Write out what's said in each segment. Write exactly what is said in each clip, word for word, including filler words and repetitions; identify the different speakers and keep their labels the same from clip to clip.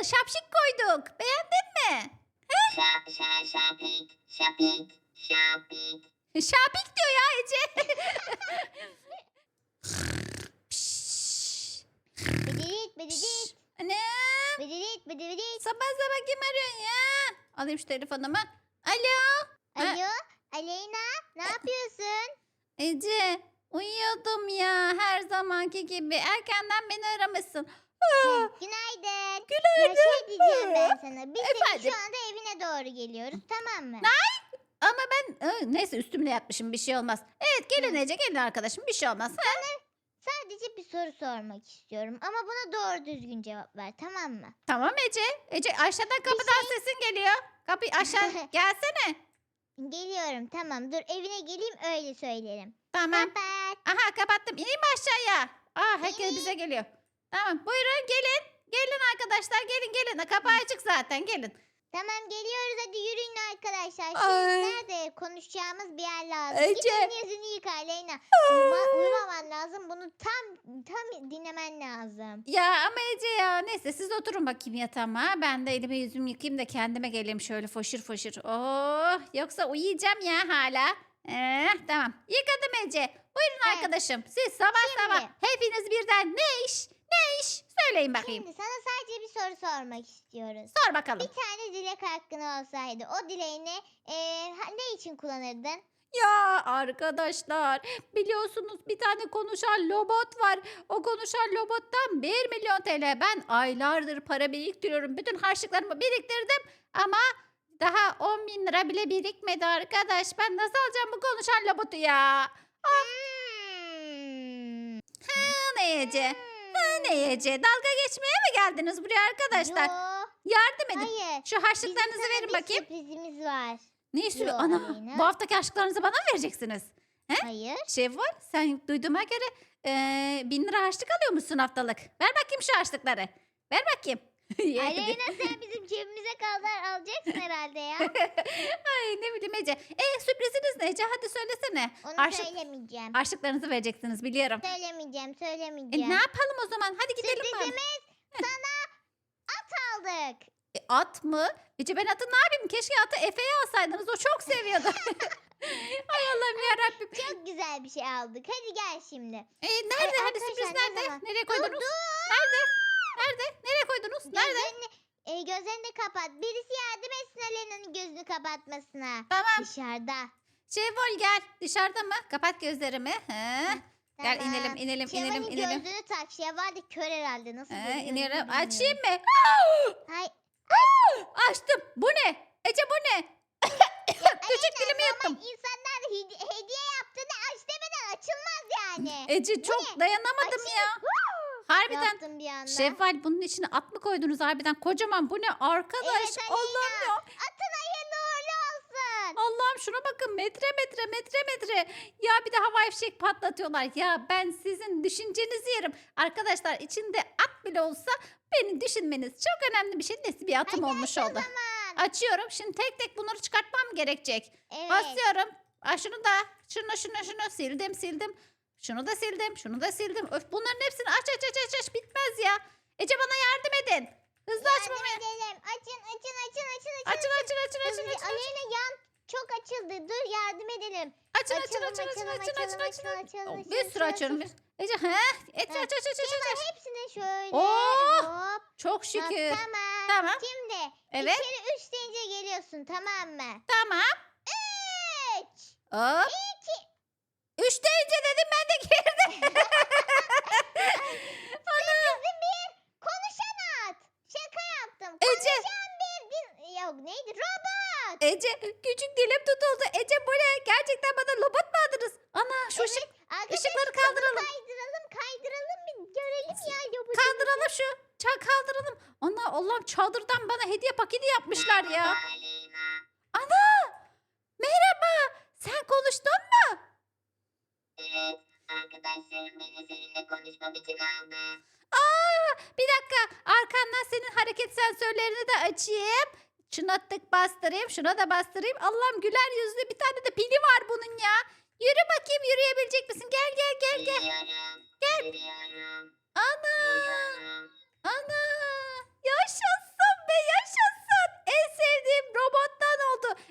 Speaker 1: şapşik koyduk. Beğendin mi?
Speaker 2: Şa şa şapik şapik şapik.
Speaker 1: Şapik diyor ya Ece. Pişt.
Speaker 3: Bıdıdıt bıdıdıt.
Speaker 1: Anam.
Speaker 3: Bıdıdıt bıdıdıt.
Speaker 1: Sabah sabah kim arıyorsun ya? Alayım şu telefonumu. Alo. Ha,
Speaker 3: Alo Aleyna ne yapıyorsun?
Speaker 1: Ece uyuyordum ya her zamanki gibi. Erkenden beni aramışsın.
Speaker 3: Hı,
Speaker 1: Aa,
Speaker 3: Günaydın.
Speaker 1: günaydın.
Speaker 3: Ya şey diyeceğim ben sana. Biz senin
Speaker 1: Efendim?
Speaker 3: şu anda evine doğru geliyoruz tamam mı?
Speaker 1: Ama ben Aa, neyse üstümle yatmışım bir şey olmaz. Evet gelin
Speaker 3: Hı.
Speaker 1: Ece gelin arkadaşım bir şey olmaz. Ha?
Speaker 3: Sadece bir soru sormak istiyorum. Ama buna doğru düzgün cevap ver tamam mı?
Speaker 1: Tamam Ece. Ece aşağıdan kapıdan sesin geliyor. Kapı aşağı gelsene.
Speaker 3: Geliyorum tamam dur evine geleyim öyle söylerim.
Speaker 1: Tamam.
Speaker 3: Kapat.
Speaker 1: Aha kapattım. İneyim mi aşağıya? Aa herkes
Speaker 3: İneyim.
Speaker 1: bize geliyor. Tamam buyurun gelin. Gelin arkadaşlar gelin gelin. Kapı açık zaten gelin.
Speaker 3: Tamam geliyoruz hadi yürüyün arkadaşlar. Şimdi
Speaker 1: Ay.
Speaker 3: nerede konuşacağımız bir yer lazım.
Speaker 1: Ece.
Speaker 3: Git elini yüzünü yıka Aleyna. Uyuma, uyumaman lazım. Bunu tam tam dinlemen lazım.
Speaker 1: Ya ama Ece ya neyse siz oturun bakayım yatağıma. Ben de elimi yüzümü yıkayayım da kendime geleyim şöyle foşur foşur. Oh yoksa uyuyacağım ya hala. Eh, tamam yıkadım Ece. Buyurun
Speaker 3: Evet.
Speaker 1: arkadaşım siz sabah
Speaker 3: Şimdi.
Speaker 1: sabah hepiniz birden ne iş ne iş söyleyin bakayım.
Speaker 3: Şimdi sana sadece bir soru sormak istiyoruz.
Speaker 1: Sor bakalım.
Speaker 3: Bir tane dilek hakkın olsaydı o dileğini eee, ha- ne için kullanırdın?
Speaker 1: Ya arkadaşlar biliyorsunuz bir tane konuşan robot var. O konuşan robottan bir milyon T L. Ben aylardır para biriktiriyorum. Bütün harçlıklarımı biriktirdim ama daha on bin lira bile birikmedi arkadaş. Ben nasıl alacağım bu konuşan robotu ya?
Speaker 3: Hmm.
Speaker 1: Ha, ne Ece? Ha, ne Ece? Dalga geçmeye mi geldiniz buraya arkadaşlar?
Speaker 3: Yo,
Speaker 1: Yardım edin.
Speaker 3: hayır.
Speaker 1: Şu
Speaker 3: Bizim
Speaker 1: harçlıklarınızı
Speaker 3: sana
Speaker 1: verin
Speaker 3: bir
Speaker 1: bakayım.
Speaker 3: sürprizimiz var.
Speaker 1: Ne sürü?
Speaker 3: Yo,
Speaker 1: Ana
Speaker 3: Aleyna.
Speaker 1: bu haftaki harçlıklarınızı bana mı vereceksiniz?
Speaker 3: Hayır.
Speaker 1: Şevval sen duyduğuma göre eee bin lira harçlık alıyormuşsun haftalık. Ver bakayım şu harçlıkları. Ver bakayım. Yedi.
Speaker 3: Aleyna sen bizim cebimize kadar alacaksın herhalde ya.
Speaker 1: Ay ne bileyim Ece. E sürpriziniz ne Ece? Hadi söylesene.
Speaker 3: Onu
Speaker 1: Harçlık,
Speaker 3: söylemeyeceğim.
Speaker 1: harçlıklarınızı vereceksiniz biliyorum.
Speaker 3: Söylemeyeceğim,
Speaker 1: E,
Speaker 3: söylemeyeceğim.
Speaker 1: ne yapalım o zaman? Hadi gidelim bari.
Speaker 3: Sürprizimiz sana at aldık.
Speaker 1: E, at mı? Ece ben atı ne yapayım? Keşke atı Efe'ye alsaydınız. O çok seviyordu. Ay Allah'ım yarabbim.
Speaker 3: Çok güzel bir şey aldık. Hadi gel şimdi.
Speaker 1: E, nerede?
Speaker 3: Ay,
Speaker 1: Hadi sürpriz
Speaker 3: arkadaşlar, ne
Speaker 1: nerede?
Speaker 3: zaman?
Speaker 1: Nereye
Speaker 3: Dur
Speaker 1: koydunuz?
Speaker 3: dur.
Speaker 1: Nerede? Nerede? Nereye koydunuz? Nerede?
Speaker 3: Gözlerini, e, gözlerini de kapat. Birisi yardım etsin Aleyna'nın gözünü kapatmasına.
Speaker 1: Tamam.
Speaker 3: Dışarıda.
Speaker 1: Şevval gel. Dışarıda mı? Kapat gözlerimi. He. Gel
Speaker 3: Tamam.
Speaker 1: inelim inelim inelim
Speaker 3: Şevval'in
Speaker 1: inelim.
Speaker 3: gözlüğünü tak. Şevval de kör herhalde. Nasıl
Speaker 1: He,
Speaker 3: görüyor
Speaker 1: inelim.
Speaker 3: bilmiyorum.
Speaker 1: Açayım mı?
Speaker 3: Hay,
Speaker 1: Açtım. Bu ne? Ece bu ne? Küçük dilimi yuttum.
Speaker 3: normal insanlar hedi- hediye yaptığında aç demeden açılmaz yani.
Speaker 1: Ece çok
Speaker 3: ne?
Speaker 1: dayanamadım
Speaker 3: Açayım.
Speaker 1: ya. Harbiden.
Speaker 3: Yaptım bir anda.
Speaker 1: Şevval bunun içine at mı koydunuz harbiden? Kocaman bu ne arkadaş?
Speaker 3: Evet, Aleyna.
Speaker 1: Allah'ım ya.
Speaker 3: Atın hayırlı uğurlu olsun.
Speaker 1: Allah'ım şuna bakın metre metre metre metre. Ya bir de havai fişek patlatıyorlar. Ya ben sizin düşüncenizi yerim. Arkadaşlar içinde at bile olsa beni düşünmeniz çok önemli bir şey. Neyse bir atım
Speaker 3: Hadi
Speaker 1: olmuş
Speaker 3: aç o
Speaker 1: oldu.
Speaker 3: zaman.
Speaker 1: Açıyorum. Şimdi tek tek bunları çıkartmam gerekecek.
Speaker 3: Evet.
Speaker 1: Basıyorum. Aa, şunu da şunu şunu şunu sildim sildim. Şunu da sildim. Şunu da sildim. Öf bunların hepsini aç aç aç aç aç bitmez ya. Ece bana yardım edin. Hızlı
Speaker 3: Yardım
Speaker 1: açmamaya.
Speaker 3: edelim. Açın açın açın açın açın.
Speaker 1: Açın açın açın açın
Speaker 3: Hızlı-
Speaker 1: açın. açın.
Speaker 3: Aleyna yan çok açıldı. Dur yardım edelim.
Speaker 1: Açın açın
Speaker 3: Açalım,
Speaker 1: açın açın
Speaker 3: açalım,
Speaker 1: açın açın
Speaker 3: açalım,
Speaker 1: açın.
Speaker 3: açalım, açalım,
Speaker 1: Oh,
Speaker 3: açalım,
Speaker 1: Bir sürü
Speaker 3: açalım,
Speaker 1: açıyorum.
Speaker 3: açalım.
Speaker 1: Ece he. Aç
Speaker 3: Ha,
Speaker 1: aç aç aç aç
Speaker 3: Şevval
Speaker 1: aç.
Speaker 3: hepsini şöyle.
Speaker 1: Oh!
Speaker 3: Hop.
Speaker 1: Çok
Speaker 3: Ha,
Speaker 1: şükür.
Speaker 3: tamam.
Speaker 1: Tamam.
Speaker 3: Şimdi
Speaker 1: Evet.
Speaker 3: içeri üç deyince geliyorsun tamam mı?
Speaker 1: Tamam.
Speaker 3: Üç.
Speaker 1: Hop.
Speaker 3: İki.
Speaker 1: Üç deyince dedim ben de girdim.
Speaker 3: Sürprizli bir konuşan at. Şaka yaptım.
Speaker 1: Ece.
Speaker 3: Konuşan bir din... Yok neydi? Robot.
Speaker 1: Ece küçük dilim tutuldu. Ece bu ne? Gerçekten bana robot mu adınız? Ana şu ışık.
Speaker 3: Arkadaşlar
Speaker 1: ışıkları
Speaker 3: şunu
Speaker 1: kaldıralım.
Speaker 3: Kaydıralım kaydıralım bir görelim ya robotu.
Speaker 1: Kaldıralım şu. Çal kaldıralım. Ana Allah'ım çadırdan bana hediye paketi yapmışlar ya.
Speaker 2: Aleyna.
Speaker 1: Ana. Merhaba. Sen konuştun mu?
Speaker 2: Evet. Arkadaşlarım beni seninle konuşmam için aldı.
Speaker 1: Aa, bir dakika. Arkandan senin hareket sensörlerini de açayım. Şuna tık bastırayım. Şuna da bastırayım. Allah'ım güler yüzlü bir tane de pili var bunun ya. Yürü bakayım yürüyebilecek misin? Gel gel gel gel.
Speaker 2: Yürüyorum. Gel. Yürüyorum.
Speaker 1: Ana.
Speaker 2: Yürüyorum.
Speaker 1: Ana. Yaşasın.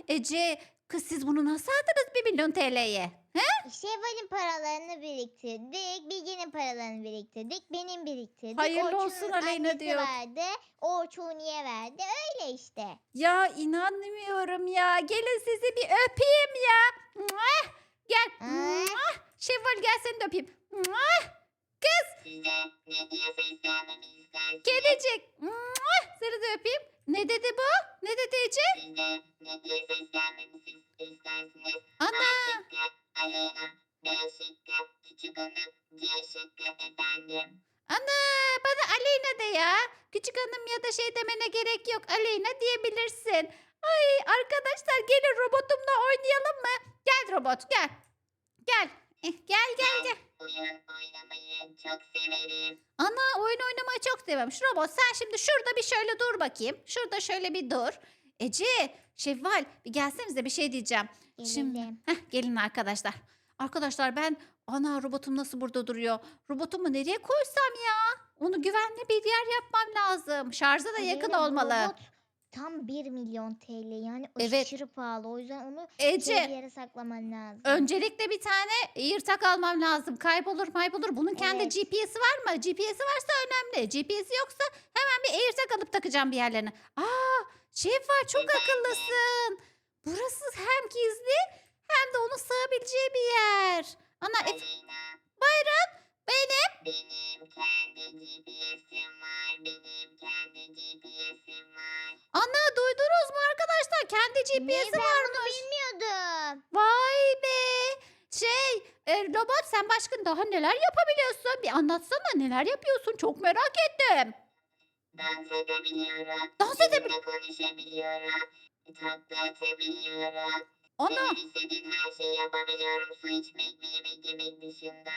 Speaker 1: Ece kız siz bunu nasıl aldınız bir milyon T L'ye?
Speaker 3: Şevval'in paralarını biriktirdik. Bilge'nin paralarını biriktirdik. Benim biriktirdik.
Speaker 1: Hayırlı
Speaker 3: Orçun'un
Speaker 1: olsun Aleyna
Speaker 3: annesi
Speaker 1: diyor.
Speaker 3: verdi. Orçun'ye verdi. Öyle işte.
Speaker 1: Ya inanmıyorum ya. Gelin sizi bir öpeyim ya. Muah! Gel.
Speaker 3: Aa.
Speaker 1: Muah! Şevval gel seni de öpeyim. Muah! Kız
Speaker 2: Size ne diye seslenmemi istersiniz?
Speaker 1: gelecek. Muah! Seni de öpeyim. Ne dedi bu? Ne dedi Ece?
Speaker 2: Size ne diye seslenmemi istersiniz?
Speaker 1: Ana.
Speaker 2: A şıkkı, Aleyna. B şıkkı, küçük hanım. C şıkkı, efendim.
Speaker 1: Ana bana Aleyna de ya. Küçük hanım ya da şey demene gerek yok. Aleyna diyebilirsin. Ay arkadaşlar gelin robotumla oynayalım mı? Gel robot gel. Gel. Eh, Gel gel gel.
Speaker 2: Oyun oynamayı çok severim.
Speaker 1: Ana oyun oynamayı çok seviyorum. Şu robot sen şimdi şurada bir şöyle dur bakayım. Şurada şöyle bir dur. Ece, Şevval bir gelsenize bir şey diyeceğim. Şimdi
Speaker 3: Gelelim.
Speaker 1: heh, gelin arkadaşlar. Arkadaşlar ben ana robotum nasıl burada duruyor? Robotumu nereye koysam ya? Onu güvenli bir yer yapmam lazım. Şarja da yakın
Speaker 3: Aleyna, bu
Speaker 1: olmalı.
Speaker 3: robot tam bir milyon T L. Yani
Speaker 1: Evet.
Speaker 3: aşırı pahalı. O yüzden onu şey bir
Speaker 1: Ece
Speaker 3: yere saklaman lazım.
Speaker 1: öncelikle bir tane yırtak almam lazım. Kaybolur maybolur. Bunun kendi
Speaker 3: Evet.
Speaker 1: G P S'i var mı? G P S'i varsa önemli. G P S'i yoksa hemen bir AirTag alıp takacağım bir yerlerine. Aa, Şevval çok akıllısın. Burası hem gizli hem de onun sığabileceği bir yer. Ana et,
Speaker 2: Aleyna.
Speaker 1: buyurun benim.
Speaker 2: Benim kendi G P S'im var. Benim kendi G P S'im var.
Speaker 1: Ana duydunuz mu arkadaşlar? Kendi G P
Speaker 3: Ne,
Speaker 1: S'i
Speaker 3: ben
Speaker 1: varmış.
Speaker 3: bunu bilmiyordum.
Speaker 1: Vay be. Şey e, robot sen başka daha neler yapabiliyorsun? Bir anlatsana neler yapıyorsun? Çok merak ettim.
Speaker 2: Dans edebiliyorum.
Speaker 1: Dans edeb-
Speaker 2: Sizinle konuşabiliyorum. Tatlı atabiliyorum.
Speaker 1: Ana
Speaker 2: Benim istediğim her şeyi yapabiliyorum. Su içmek ve yemek yemek dışında.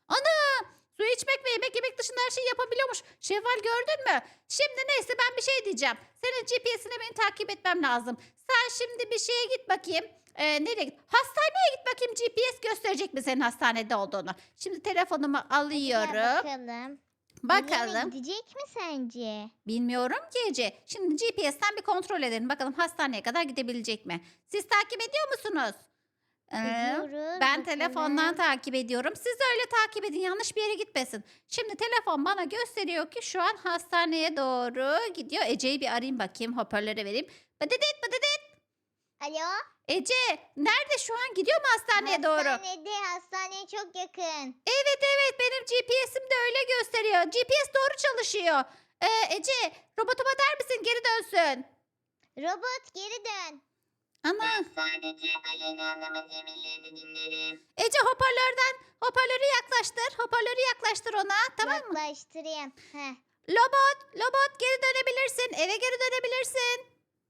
Speaker 1: su içmek ve yemek yemek dışında her şeyi yapabiliyormuş. Şevval gördün mü? Şimdi neyse ben bir şey diyeceğim. Senin G P S'ine beni takip etmem lazım. Sen şimdi bir şeye git bakayım. Ee, nereye git? Hastaneye git bakayım G P S gösterecek mi senin hastanede olduğunu. Şimdi telefonumu
Speaker 3: Gel
Speaker 1: alıyorum.
Speaker 3: bakalım.
Speaker 1: Bakalım.
Speaker 3: Aleyna gidecek mi sence?
Speaker 1: Bilmiyorum ki Ece. Şimdi G P S'ten bir kontrol edelim. Bakalım hastaneye kadar gidebilecek mi? Siz takip ediyor musunuz? Ee,
Speaker 3: Ediyoruz.
Speaker 1: ben
Speaker 3: bakalım.
Speaker 1: telefondan takip ediyorum. Siz de öyle takip edin. Yanlış bir yere gitmesin. Şimdi telefon bana gösteriyor ki şu an hastaneye doğru gidiyor. Ece'yi bir arayayım bakayım. Hoparlöre vereyim. Bıdıdıt bıdıdıt.
Speaker 3: Alo?
Speaker 1: Ece nerede şu an? Gidiyor mu hastaneye doğru?
Speaker 3: Hastanede, hastaneye çok yakın.
Speaker 1: Evet evet benim G P S'im de öyle gösteriyor. G P S doğru çalışıyor. Ee, Ece robotuma der misin geri dönsün?
Speaker 3: Robot geri dön.
Speaker 1: Ana.
Speaker 2: Ben sadece Aleyna Hanım'ın emirlerini dinlerim.
Speaker 1: Ece hoparlörden hoparlörü yaklaştır. Hoparlörü yaklaştır ona. Tamam mı?
Speaker 3: Yaklaştırayım. Heh.
Speaker 1: Lobot, Lobot geri dönebilirsin. Eve geri dönebilirsin.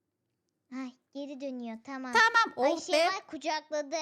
Speaker 3: Ay, geri dönüyor. Tamam.
Speaker 1: Tamam.
Speaker 3: Ay
Speaker 1: Oh
Speaker 3: şey
Speaker 1: be.
Speaker 3: var, kucakladı.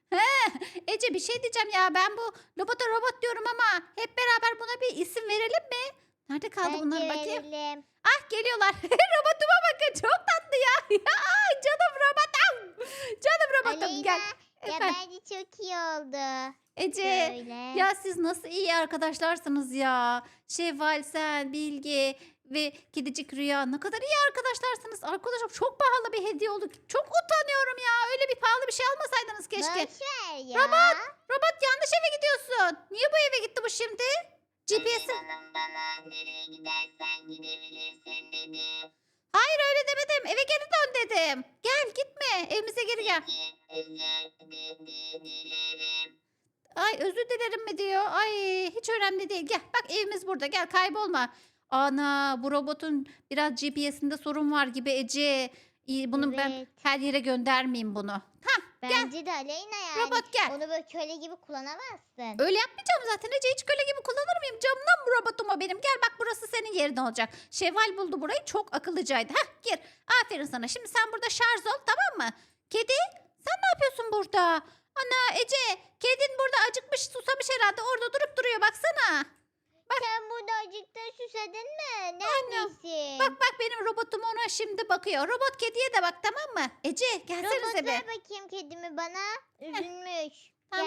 Speaker 1: Ece bir şey diyeceğim ya. Ben bu Lobot'a robot diyorum ama hep beraber buna bir isim verelim mi? Nerede kaldı
Speaker 3: Bence
Speaker 1: bunlar bakayım?
Speaker 3: verelim.
Speaker 1: Ah geliyorlar. Robotuma bakın. Çok tatlı ya. Ay canım robotum. Canım robotum
Speaker 3: Aleyna.
Speaker 1: gel.
Speaker 3: Ya
Speaker 1: Efendim,
Speaker 3: bence çok iyi oldu.
Speaker 1: Ece.
Speaker 3: Şöyle.
Speaker 1: Ya siz nasıl iyi arkadaşlarsınız ya. Şevval, sen, Bilge ve Kedicik Rüya ne kadar iyi arkadaşlarsınız. Arkadaşım çok pahalı bir hediye oldu. Çok utanıyorum ya. Öyle bir pahalı bir şey almasaydınız keşke.
Speaker 3: Boş ver ya.
Speaker 1: Robot, robot yanlış eve gidiyorsun. Niye bu eve gitti bu şimdi? G P S'i...
Speaker 2: Aleyna Hanım bana nereye gidersen gidebilirsin dedi.
Speaker 1: Hayır öyle demedim. Eve geri dön dedim. Gel gitme. Evimize geri gel.
Speaker 2: Peki, özür di- dilerim.
Speaker 1: Ay özür dilerim mi diyor. Ay hiç önemli değil. Gel bak evimiz burada. Gel kaybolma. Ana bu robotun biraz G P S'inde sorun var gibi Ece. İyi, bunu ben
Speaker 3: Evet.
Speaker 1: her yere göndermeyeyim bunu. Hah
Speaker 3: Bence de Aleyna yani.
Speaker 1: robot gel.
Speaker 3: Onu böyle köle gibi kullanamazsın.
Speaker 1: Öyle yapmayacağım zaten Ece. Hiç köle gibi kullanır mıyım? Camdan bu robotuma benim. Gel bak burası senin yerin olacak. Şevval buldu burayı. Çok akıllıcaydı. Hah gir. Aferin sana. Şimdi sen burada şarj ol tamam mı? Kedi sen ne yapıyorsun burada? Ana Ece kedin burada acıkmış susamış herhalde. Orada durup duruyor baksana.
Speaker 3: Sen burada acıktın, susadın mı? Neredesin?
Speaker 1: Bak bak benim robotum ona şimdi bakıyor. Robot kediye de bak tamam mı? Ece
Speaker 3: Robot
Speaker 1: gelsenize
Speaker 3: ver
Speaker 1: be.
Speaker 3: bakayım kedimi bana. Üzülmüş.
Speaker 1: Tamam.
Speaker 3: Gel.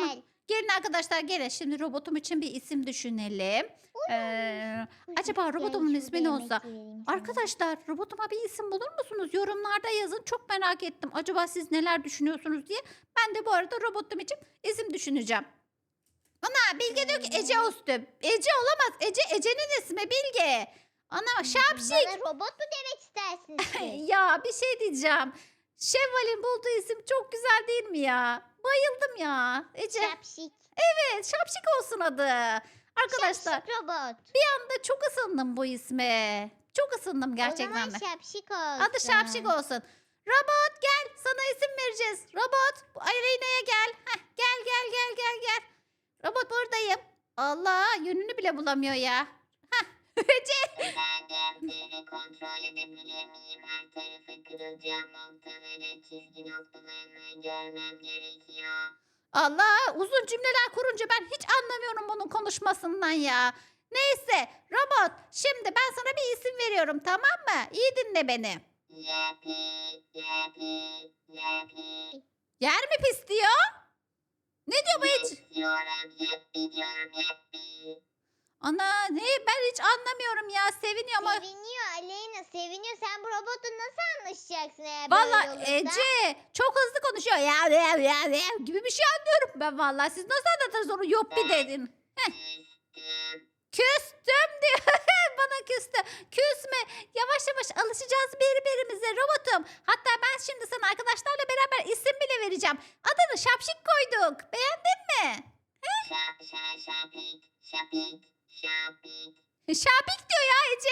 Speaker 1: Gelin arkadaşlar gelin. Şimdi robotum için bir isim düşünelim. Ee, acaba robotumun ismi ne olsa? Arkadaşlar robotuma bir isim bulur musunuz? Yorumlarda yazın. Çok merak ettim. Acaba siz neler düşünüyorsunuz diye. Ben de bu arada robotum için isim düşüneceğim. Ana Bilge diyor ki Ece olsun. Ece olamaz. Ece Ece'nin ismi Bilge. Ana şapşik.
Speaker 3: Bana robot mu demek istersiniz siz?
Speaker 1: Ya bir şey diyeceğim. Şevval'in bulduğu isim çok güzel değil mi ya? Bayıldım ya. Ece.
Speaker 3: Şapşik.
Speaker 1: Evet şapşik olsun adı. Arkadaşlar
Speaker 3: Şapşik robot.
Speaker 1: ben de çok ısındım bu isme. Çok ısındım
Speaker 3: O
Speaker 1: gerçekten de.
Speaker 3: zaman şapşik olsun.
Speaker 1: Adı şapşik olsun. Robot gel sana isim vereceğiz. Robot bu Aleyna'ya gel. Heh, gel gel gel gel gel. Robot buradayım. Allah yönünü bile bulamıyor ya. Heh. Ece.
Speaker 2: Özellikleri kontrol edebilir miyim? Her tarafı kırılacağım noktaları, çizgi noktalarını görmem gerekiyor.
Speaker 1: Allah uzun cümleler kurunca ben hiç anlamıyorum bunun konuşmasından ya. Neyse robot şimdi ben sana bir isim veriyorum tamam mı? İyi dinle beni.
Speaker 2: Yapi, yapi, yapi.
Speaker 1: Yer mi pis diyor? Ne diyor bu hiç?
Speaker 2: İstiyorum, yapi diyorum, yapi.
Speaker 1: Ana ne ben hiç anlamıyorum ya seviniyor ama.
Speaker 3: Seviniyor Aleyna seviniyor. Sen bu robotla nasıl anlaşacaksın eğer
Speaker 1: Valla
Speaker 3: böyle olursa?
Speaker 1: Ece çok hızlı konuşuyor ya, ya, ya, ya gibi bir şey anlıyorum ben valla. Siz nasıl anlatırsınız onu yok bir dedin.
Speaker 2: Küstüm.
Speaker 1: Küstüm diyor. Bana küstü. Küsme. Yavaş yavaş alışacağız birbirimize robotum. Hatta ben şimdi sana arkadaşlarla beraber isim bile vereceğim. Adını Şapşik koyduk. Beğendin mi?
Speaker 2: Şap, şap, şapik, şapik, şapik.
Speaker 1: Şapik diyor ya Ece.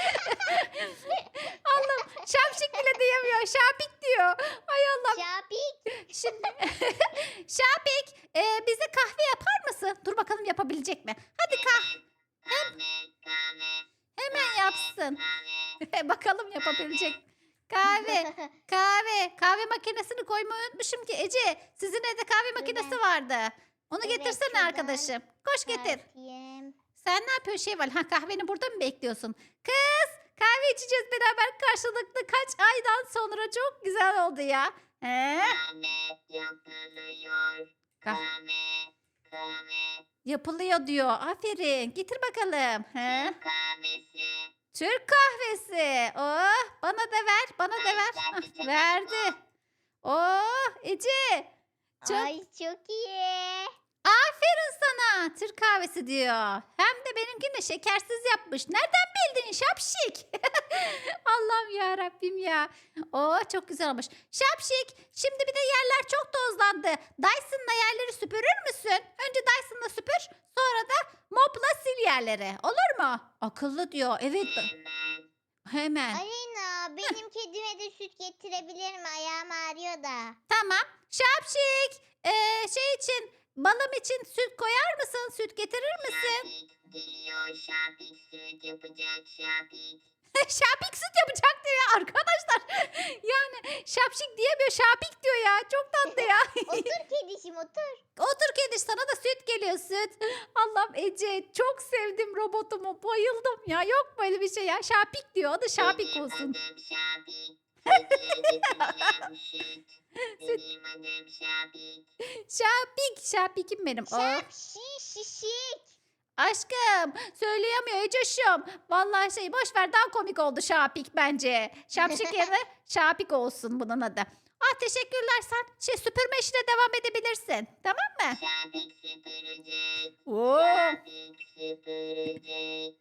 Speaker 1: Allah'ım Şapşik bile diyemiyor. Şapik diyor. Ay Allah'ım.
Speaker 3: Şapik.
Speaker 1: Şimdi Şapik e, bize kahve yapar mısın? Dur bakalım yapabilecek mi? Hadi kah
Speaker 2: Kahve, kahve,
Speaker 1: hemen yapsın.
Speaker 2: kahve.
Speaker 1: Bakalım yapabilecek. Kahve. Kahve. Kahve makinesini koymayı unutmuşum ki Ece. Sizin evde kahve makinesi
Speaker 3: Evet.
Speaker 1: vardı. Onu
Speaker 3: Evet,
Speaker 1: getirsene
Speaker 3: şuradan
Speaker 1: arkadaşım. Koş getir.
Speaker 3: Bakayım.
Speaker 1: Sen ne yapıyorsun Şevval? Ha kahveni burada mı bekliyorsun? Kız kahve içeceğiz beraber karşılıklı kaç aydan sonra çok güzel oldu ya. He?
Speaker 2: Kahve yapılıyor. Kahve, kahve.
Speaker 1: Yapılıyor diyor. Aferin. Getir bakalım. He?
Speaker 2: Türk kahvesi.
Speaker 1: Türk kahvesi. Oh bana da ver. Bana da ver. Hah, verdi. Oh Ece. Çok
Speaker 3: Ay çok iyi.
Speaker 1: aferin sana. Türk kahvesi diyor. Hem de benimkini şekersiz yapmış. Nereden bildin şapşik? Allah'ım ya Rabbim ya. Oo çok güzel olmuş. Şapşik. Şimdi bir de yerler çok tozlandı. Dyson'la yerleri süpürür müsün? Önce Dyson'la süpür. Sonra da mopla sil yerleri. Olur mu? Akıllı diyor. Evet.
Speaker 2: Hemen.
Speaker 1: Hemen.
Speaker 3: Aleyna benim kedime de süt getirebilir mi? Ayağım ağrıyor da.
Speaker 1: Tamam. Şapşik. Ee, şey için balım için süt koyar mısın? Süt getirir misin?
Speaker 2: Şapik geliyor. Şapik süt yapacak şapik.
Speaker 1: Şapik süt yapacak diyor ya arkadaşlar. Yani şapşik diyemiyor şapik diyor ya. Çok tatlı ya.
Speaker 3: Otur kedişim otur.
Speaker 1: Otur kedi sana da süt geliyor süt. Allah'ım Ece çok sevdim robotumu. Bayıldım ya. Yok böyle bir şey ya. Şapik diyor. Adı Şapik
Speaker 2: Benim
Speaker 1: olsun.
Speaker 2: adım Şapik. Sütü getireceğim süt. Benim adım Şapik.
Speaker 1: Şapik. Şapik'im benim. Oh.
Speaker 3: Şapşik şişik.
Speaker 1: Aşkım söyleyemiyor Ecoş'um. Vallahi şey boş ver daha komik oldu Şapik bence. Şapşik yerine Şapik olsun bunun adı. Ah teşekkürler sen şey süpürme işine devam edebilirsin. Tamam mı?
Speaker 2: Şapik süpürecek.
Speaker 1: Oo.
Speaker 2: Şapik süpürecek.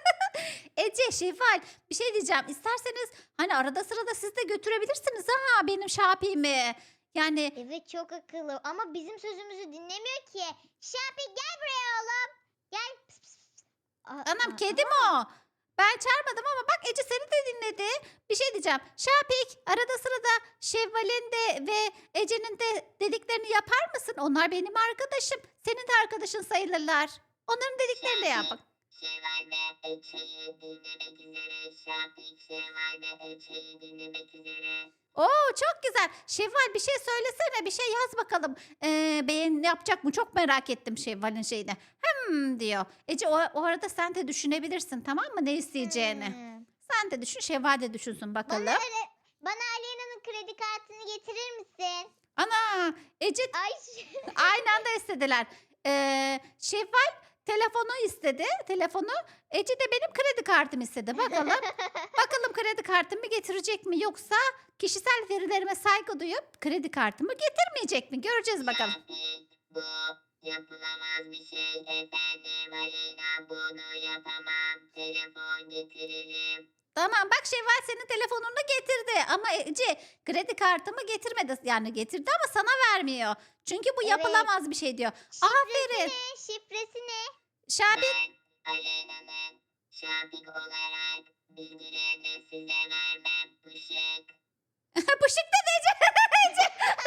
Speaker 1: Ece Şevval bir şey diyeceğim. İsterseniz hani arada sırada siz de götürebilirsiniz ha benim Şapik'imi. Yani
Speaker 3: Evet çok akıllı ama bizim sözümüzü dinlemiyor ki. Şapik gel buraya oğlum. Gel. Pıs, pıs, pıs. Aa,
Speaker 1: anam
Speaker 3: aa,
Speaker 1: kedi mi o? Ben çağırmadım ama bak Ece seni de dinledi. Bir şey diyeceğim. Şapik arada sırada Şevval'in de ve Ece'nin de dediklerini yapar mısın? Onlar benim arkadaşım. Senin de arkadaşın sayılırlar. Onların dediklerini de yap.
Speaker 2: Şevval ve Ece'yi dinlemek üzere. Şapik Şevval ve Ece'yi dinlemek üzere.
Speaker 1: Oo çok güzel. Şevval bir şey söylesene. Bir şey yaz bakalım. Ee, beğen yapacak mı? Çok merak ettim Şevval'in şeyini. Hmm diyor. Ece o, o arada sen de düşünebilirsin tamam mı? Ne isteyeceğini.
Speaker 3: Hmm.
Speaker 1: Sen de düşün. Şevval de düşünsün bakalım.
Speaker 3: Bana, öyle, bana Aleyna'nın kredi kartını getirir misin?
Speaker 1: Ana Ece
Speaker 3: Ay
Speaker 1: aynı anda istediler. Ee, Şevval telefonu istedi. Telefonu. Ece de benim kredi kartımı istedi. Bakalım. Bakalım kredi kartımı getirecek mi yoksa kişisel verilerime saygı duyup kredi kartımı getirmeyecek mi? Göreceğiz bakalım.
Speaker 2: Şapik, bu yapılamaz bir şey efendim. Aleyna bunu yapamam. Telefon getiririm.
Speaker 1: Tamam bak Şevval senin telefonunu getirdi ama Ece kredi kartımı getirmedi. Yani getirdi ama sana vermiyor. Çünkü bu
Speaker 3: Evet.
Speaker 1: yapılamaz bir şey diyor.
Speaker 3: şifresi
Speaker 1: Aferin.
Speaker 3: ne? Şifresi ne?
Speaker 1: Şabik
Speaker 2: Ben Aleyna'nın Şapik olarak bilgilerini size vermem. Pışık.
Speaker 1: pışık dedi Ece. Ece.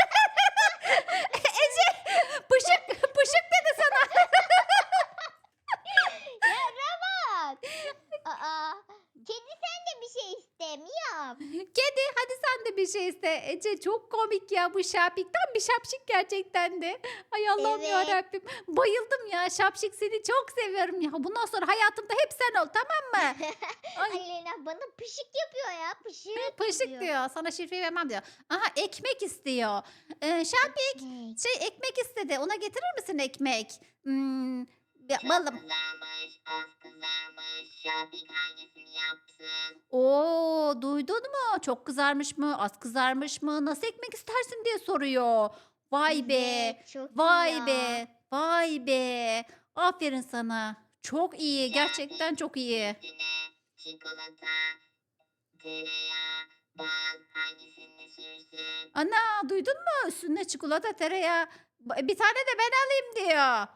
Speaker 1: Ece pışık pışık dedi sana.
Speaker 3: Ya Robot. Aa, kedi sen de bir şey istemiyor.
Speaker 1: Kedi hadi sen de bir şey iste. Ece çok komik ya bu Şapik. Tam bir şapşik gerçekten de. Ay Allah'ım
Speaker 3: Evet.
Speaker 1: yarabbim. Bayıldım ya Şapşik seni çok seviyorum ya. Bundan sonra hayatımda hep sen ol tamam mı? Ay.
Speaker 3: Aleyna bana pışık yapıyor ya. Pışık,
Speaker 1: Pışık
Speaker 3: diyor.
Speaker 1: diyor. Sana şifreyi vermem diyor. Aha ekmek istiyor. Ee, Şapik
Speaker 3: Ekmek.
Speaker 1: şey ekmek istedi. Ona getirir misin ekmek? Hmm, ya,
Speaker 2: Çok
Speaker 1: balım.
Speaker 2: kızarmış, az kızarmış. Şapik hangisini yapsın?
Speaker 1: Oo duydun mu? Çok kızarmış mı? Az kızarmış mı? Nasıl ekmek istersin diye soruyor. Vay be.
Speaker 3: Evet, çok iyi
Speaker 1: Vay
Speaker 3: ya.
Speaker 1: be. Vay be. Aferin sana. Çok iyi. Gerçekten çok iyi.
Speaker 2: Üstüne çikolata, tereyağı, bal hangisini sürsün?
Speaker 1: Ana duydun mu? Üstüne çikolata, tereyağı. Ba- Bir tane de ben alayım diyor.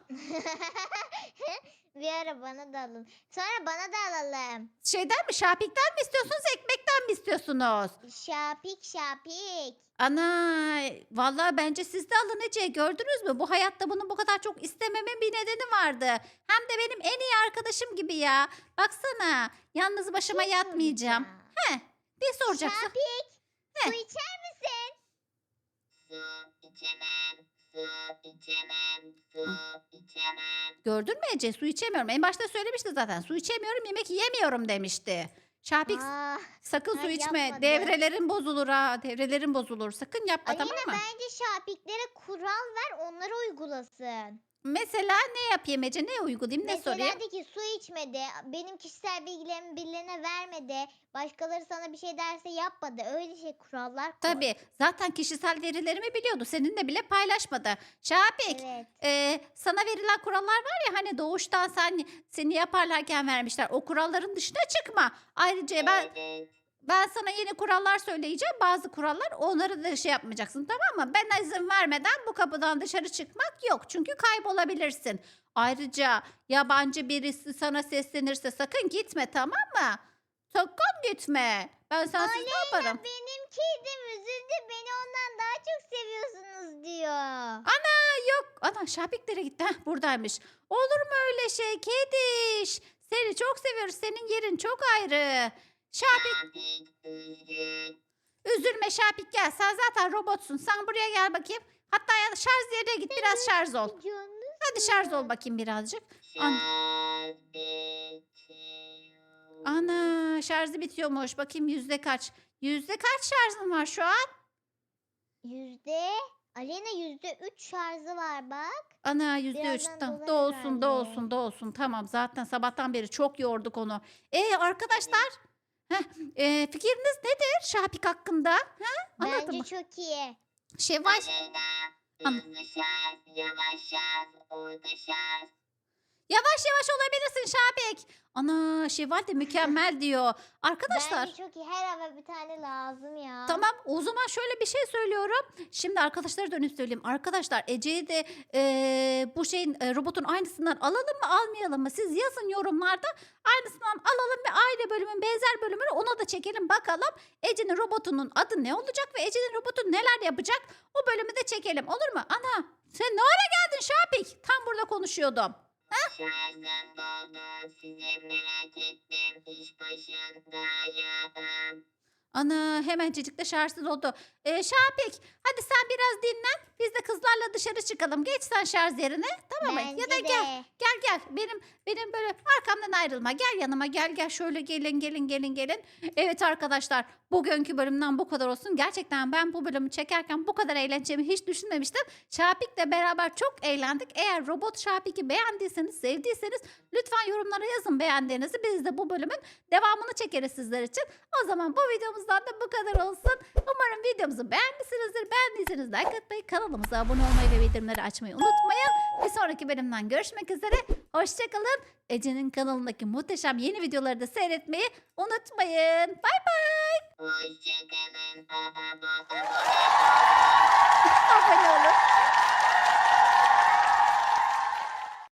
Speaker 3: Bir ara bana da alın. Sonra bana da alalım.
Speaker 1: Şeyden mi? Şapik'ten mi istiyorsunuz? Ekmekten mi istiyorsunuz?
Speaker 3: Şapik şapik.
Speaker 1: Ana vallahi bence siz de alın Ece. Gördünüz mü? Bu hayatta bunu bu kadar çok istememin bir nedeni vardı. Hem de benim en iyi arkadaşım gibi ya. Baksana. Yalnız başıma
Speaker 3: Şey
Speaker 1: yatmayacağım.
Speaker 3: soracağım.
Speaker 1: Heh. Ne soracaksın?
Speaker 3: Şapik.
Speaker 1: Heh.
Speaker 3: Su içer misin?
Speaker 2: Su içemem, su içemem, su içemem.
Speaker 1: Gördün mü Ece? Su içemiyorum. En başta söylemişti zaten. Su içemiyorum, yemek yemiyorum demişti. Şapik
Speaker 3: Aa,
Speaker 1: sakın su
Speaker 3: ay
Speaker 1: içme.
Speaker 3: yapmadı.
Speaker 1: Devrelerin bozulur ha. Devrelerin bozulur. Sakın yapma
Speaker 3: Aleyna
Speaker 1: tamam mı?
Speaker 3: bence şapiklere kural ver onları uygulasın.
Speaker 1: Mesela ne yapayım Ece? Ne uygulayayım? Ne
Speaker 3: Mesela
Speaker 1: sorayım?
Speaker 3: de ki su içmedi, benim kişisel bilgilerimi birilerine vermedi, başkaları sana bir şey derse yapmadı. Öyle şey kurallar koy.
Speaker 1: Tabii. Zaten kişisel verilerimi biliyordu. Seninle bile paylaşmadı. Şapik,
Speaker 3: Evet.
Speaker 1: e, sana verilen kurallar var ya hani doğuştan sen seni yaparlarken vermişler. O kuralların dışına çıkma. Ayrıca ben
Speaker 2: Evet,
Speaker 1: ben sana yeni kurallar söyleyeceğim. Bazı kurallar onları da şey yapmayacaksın tamam mı? Ben izin vermeden bu kapıdan dışarı çıkmak yok. Çünkü kaybolabilirsin. Ayrıca yabancı birisi sana seslenirse sakın gitme tamam mı? Sakın gitme. Ben sensiz ne yaparım?
Speaker 3: Benim kedim üzüldü, beni ondan daha çok seviyorsunuz diyor.
Speaker 1: Yok. Ana Şapiklere gitti. Heh, buradaymış. Olur mu öyle şey kediş? Seni çok seviyoruz. Senin yerin çok ayrı. Şapik
Speaker 2: Şapik üzgün.
Speaker 1: üzülme Şapik gel. Sen zaten robotsun. Sen buraya gel bakayım. Hatta ya şarj yerine git biraz şarj ol.
Speaker 3: Canım.
Speaker 1: Hadi şarj ol bakayım birazcık. An-
Speaker 2: Şapik.
Speaker 1: Ana şarjı bitiyormuş. Bakayım yüzde kaç? Yüzde kaç şarjın var şu an?
Speaker 3: Yüzde, Aleyna yüzde üç şarjı var bak.
Speaker 1: Ana yüzde üç.
Speaker 3: Birazdan
Speaker 1: Tamam.
Speaker 3: dolar
Speaker 1: Da olsun da
Speaker 3: herhalde.
Speaker 1: olsun da olsun. Tamam zaten sabahtan beri çok yorduk onu. E arkadaşlar. Heh, e, fikriniz nedir Şapik hakkında? Ha? Anlatın
Speaker 3: Bence
Speaker 1: mı?
Speaker 3: çok iyi.
Speaker 1: Şevval.
Speaker 2: Aleyna,
Speaker 1: An-
Speaker 2: hızlı şarj, yavaş şarj, orta şarj.
Speaker 1: Yavaş yavaş olabilirsin Şapik. Ana Şevval de mükemmel diyor. Arkadaşlar.
Speaker 3: Bence çok iyi. Her eve bir tane lazım ya.
Speaker 1: Tamam o zaman şöyle bir şey söylüyorum. Şimdi arkadaşlara dönüp söyleyeyim. Arkadaşlar Ece'yi de eee, bu şeyin e, robotun aynısından alalım mı almayalım mı? Siz yazın yorumlarda aynısından alalım ve aynı bölümün benzer bölümünü ona da çekelim bakalım. Ece'nin robotunun adı ne olacak ve Ece'nin robotu neler yapacak? O bölümü de çekelim olur mu? Ana sen ne ara geldin Şapik? Tam burada konuşuyordum.
Speaker 2: Şarjım doldu, size merak ettim, iş başındayım.
Speaker 1: Ana hemencecik de şarjsız oldu. Ee, Şapik hadi sen biraz dinlen. Biz de kızlarla dışarı çıkalım. Geç sen şarj yerine. Tamam mı?
Speaker 3: Bence
Speaker 1: Ya da
Speaker 3: de.
Speaker 1: gel. Gel gel. Benim benim böyle arkamdan ayrılma. Gel yanıma. Gel gel. Şöyle gelin gelin gelin gelin. Evet arkadaşlar. Bugünkü bölümden bu kadar olsun. Gerçekten ben bu bölümü çekerken bu kadar eğleneceğimi hiç düşünmemiştim. Şapik'le beraber çok eğlendik. Eğer Robot Şapik'i beğendiyseniz, sevdiyseniz lütfen yorumlara yazın beğendiğinizi. Biz de bu bölümün devamını çekeriz sizler için. O zaman bu videomuzdan da bu kadar olsun. Umarım videomuzu beğenmişsinizdir. Beğendiyseniz like atmayı, kanalımıza abone olmayı ve bildirimleri açmayı unutmayın. Bir sonraki bölümden görüşmek üzere. Hoşçakalın. Ece'nin kanalındaki muhteşem yeni videoları da seyretmeyi unutmayın. Bay bay.
Speaker 2: Hoşçakalın. Baba baba.